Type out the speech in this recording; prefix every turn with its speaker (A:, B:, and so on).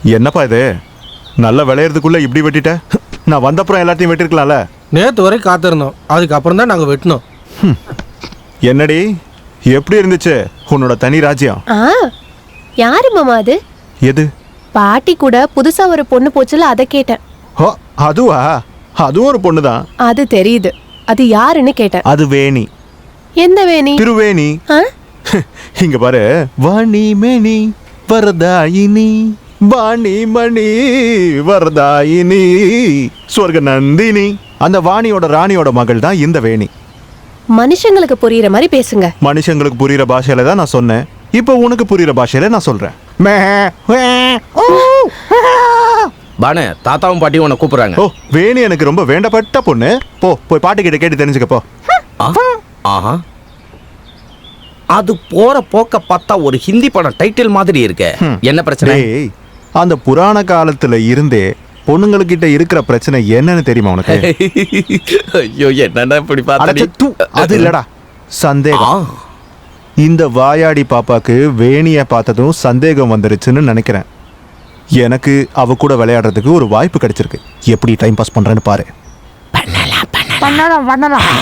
A: என்னப்பா இது நல்ல விளையிறதுக்குள்ள இப்படி வெட்டிட்ட? நான் வந்தப்புறம் எல்லாத்தையும் வெட்டிருக்கலாம்ல.
B: நேற்று வரை காத்திருந்தோம், அதுக்கப்புறம் தான் நாங்கள் வெட்டினோம்.
A: என்னடி எப்படி இருந்துச்சு உன்னோட தனி ராஜ்யம்?
C: யாரு மாமா அது?
A: எது?
C: பாட்டி கூட புதுசா ஒரு பொண்ணு போச்சுல, அதை கேட்டேன்.
A: ஓ அதுவா? அதுவும் ஒரு பொண்ணுதான்.
C: அது தெரியுது, அது யாருன்னு கேட்டேன்.
A: அது வேணி.
C: எந்த வேணி?
A: திருவேணி. இங்க பாரு. வாணி மேனி வரதாயினி வாணி மணி வரதாயினி சொர்க்க நந்தினி. அந்த வாணியோட ராணியோட மகள் தான் இந்த வேணி.
C: மனுஷங்களுக்கு புரியுற மாதிரி பேசுங்க.
A: மனுஷங்களுக்கு புரியுற பாஷையில தான் நான் சொன்னேன். இப்போ உனக்கு புரியுற பாஷையில நான் சொல்றேன்.
D: பானு, தாத்தாவும் பாட்டியும் உன்னை கூப்பிடுறாங்க.
A: ஓ, வேணி எனக்கு ரொம்ப வேண்டப்பட்ட பொண்ணு. போய் பாட்டு கிட்ட கேட்டு தெரிஞ்சுக்க போ.
D: ஆஹா, அது போற போக்க பார்த்தா ஒரு ஹிந்தி படம் டைட்டில் மாதிரி இருக்கு. என்ன பிரச்சனை?
A: அந்த புராண காலத்துல இருந்தே பொண்ணுங்ககிட்ட இருக்கிற பிரச்சனை என்னன்னு தெரியுமா உனக்கு?
D: ஐயோ, என்னடா இப்படி பார்த்தா?
A: அது இல்லடா, சந்தேகம். இந்த வாயாடி பாப்பாக்கு வேணிய பார்த்ததும் சந்தேகம் வந்துருச்சுன்னு நினைக்கிறேன். எனக்கு அவ கூட விளையாடுறதுக்கு ஒரு வாய்ப்பு கிடைச்சிருக்கு. எப்படி டைம் பாஸ் பண்றேன்னு பாரு.
D: பண்ணலாம்.